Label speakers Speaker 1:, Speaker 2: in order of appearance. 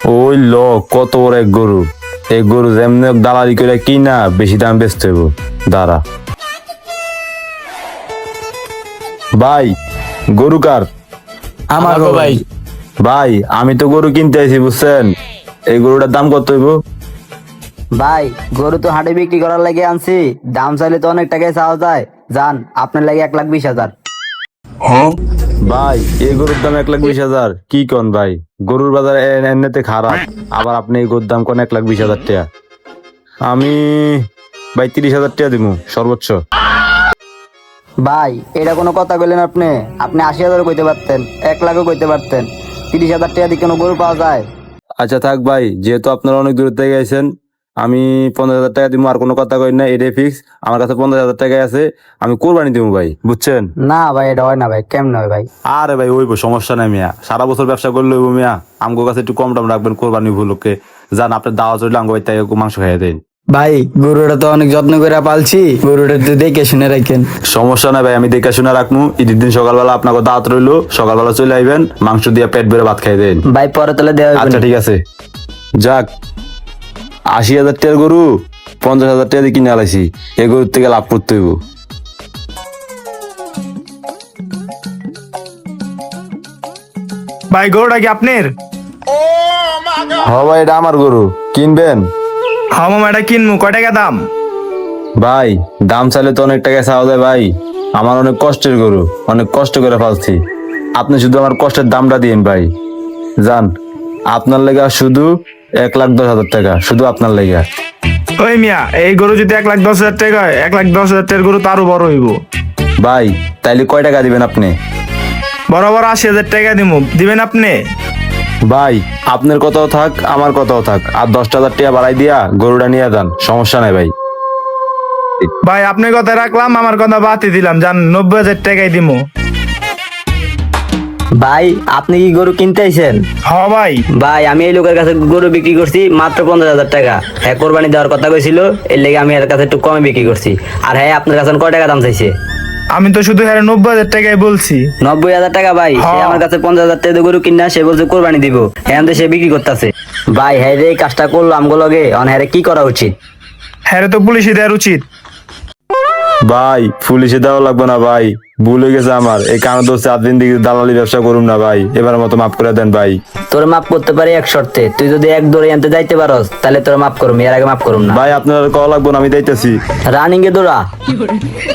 Speaker 1: ওই ল কত বড় এক গরু, এই গরু যেমনি হোক দালালি করে কিনা বেশি দাম বেচতে হইব। দাঁড়া ভাই, গরু কার?
Speaker 2: আমার গো ভাই।
Speaker 1: ভাই আমি তো গরু কিনতে আইছি বুঝছেন, এই গরুটার দাম কত হইব?
Speaker 3: ভাই গরু তো হাটে বিক্রি করার লাগে আনছি, দাম চাইলে তো অনেক টাকায় চাওয়া যায়। যান, আপনার লাগে 1,20,000।
Speaker 1: ভাই এই গরুর দাম 1,20,000? কি কন ভাই, গরুর বাজার এমনিতে খারাপ, আবার আপনি এই গরুর দাম কোন 1,20,000 টাকা? আমি ভাই 30,000 টাকা দিব সর্বোচ্চ।
Speaker 3: ভাই এটা কোনো কথা বললেন আপনি? আপনি 80,000 কইতে পারতেন, 1,00,000 কইতে পারতেন। 30,000 টাকা দিয়ে কোনো গরু পাওয়া যায়?
Speaker 1: আচ্ছা থাক ভাই, যেহেতু আপনারা অনেক দূর থেকে গেছেন, আমি 15,000 টাকা দিব, আর কোনো কথা কই না, এটাই ফিক্স। আমার কাছে 15,000 টাকা আছে, আমি কোরবানি দিব ভাই, বুঝছেন?
Speaker 3: না ভাই, এটা হয় না ভাই, কেমন হয় ভাই?
Speaker 1: আরে ভাই ওইব, সমস্যা নাই মিয়া, সারা বছর ব্যবসা করলে হইব মিয়া, আমগো কাছে একটু কম দাম রাখবেন কোরবানি উপলক্ষে। যান, আপনার দাওয়া চললে আমগো ভাই তাই মাংস খাইয়ে দেন।
Speaker 2: ভাই গরুটা তো অনেক যত্ন করে পালছি, গরুটা তো দেখে শুনে রাখেন।
Speaker 1: সমস্যা নাই ভাই, আমি দেখে শুনে রাখবো। ঈদের দিন সকালবেলা আপনাকে দাওয়াত রইলো, সকালবেলা চলে আইবেন, মাংস দিয়ে পেট ভরে ভাত খাই দেন।
Speaker 3: ভাই পরে তাহলে দেওয়া হবে
Speaker 1: আচ্ছা
Speaker 3: না।
Speaker 1: ঠিক আছে। যাক, 80,000 টাকার গরু 50,000 টাকা দিয়ে কিনে আলাইছি, এই গরুর থেকে লাভ করতে হইব।
Speaker 4: ভাই গরুটা কি আপনার?
Speaker 1: হ ভাই, এটা আমার গরু, কিনবেন?
Speaker 4: হ্যাঁ মামা, এটা কিনবো। কয় টাকা দাম?
Speaker 1: ভাই দাম চাইলে তো অনেক টাকা চাওয়া যায় ভাই, আমার অনেক কষ্টের গরু, অনেক কষ্ট করে পালছি, আপনি শুধু আমার কষ্টের দামটা দিন ভাই। যান, আপনার লেগা শুধু 1,10,000 টাকা, শুধু আপনার লেগা।
Speaker 4: ওই মিয়া, এই গরু যদি 1,10,000 টাকা হয়, 1,10,000 টাকার গরু তো আরো বড় হইব।
Speaker 1: ভাই তাইলে কয় টাকা দিবেন আপনি?
Speaker 4: বরাবর 80,000 টাকা দিব, দিবেন আপনি?
Speaker 1: ভাই আপনার কথাও থাক, আমার কথাও থাক, আর 10,000 টাকা বাড়াই দিয়া গরুটা নিয়ে যান, সমস্যা নাই ভাই।
Speaker 4: ভাই আপনার কথা রাখলাম, আমার কথা বাতি দিলাম, যান 90,000 টাকাই দিব।
Speaker 3: ভাই আপনি কি গরু কিনতে আইছেন?
Speaker 4: হ ভাই।
Speaker 3: ভাই আমি এই লোকের কাছে গরু বিক্রি করছি মাত্র 50,000 টাকা। হ্যাঁ কোরবানি দেওয়ার কথা কইছিল, এর লেগে আমি এর কাছে একটু কমে বিক্রি করছি। আর হ্যাঁ আপনার কাছে কয় টাকা দাম চাইছে?
Speaker 4: আমি তো শুধু হ্যাঁ 90,000 টাকাই বলছি।
Speaker 3: 90,000 টাকা? ভাই সে
Speaker 4: হ্যাঁ।
Speaker 3: আমার কাছে 50,000 টাকা দিয়ে গরু কিনা, সে বলছে কোরবানি দিব, হ্যাঁ সে বিক্রি করতেছে। ভাই হ্যাঁ রে, এই কাজটা করলো আমগো লগে, হ্যাঁ কি করা উচিত?
Speaker 4: হ্যাঁ তো পুলিশে দেওয়ার উচিত।
Speaker 1: ভাই পুলিশে দেওয়া লাগবে না ভাই, ভুল হয়ে গেছে আমার, এই কারণ দোষে আদিন দিকে দালালি ব্যবসা করুন না ভাই, এবারের মতো মাফ করে দেন ভাই।
Speaker 3: তোর মাফ করতে পারি এক শর্তে, তুই যদি এক দৌড়ে আনতে যাইতে পারস তাহলে তোর মাফ করুম, এর আগে মাফ করুম না।
Speaker 1: ভাই আপনার কল লাগবো না, আমি যাইতেছি।
Speaker 3: রানিং এ দৌড়া।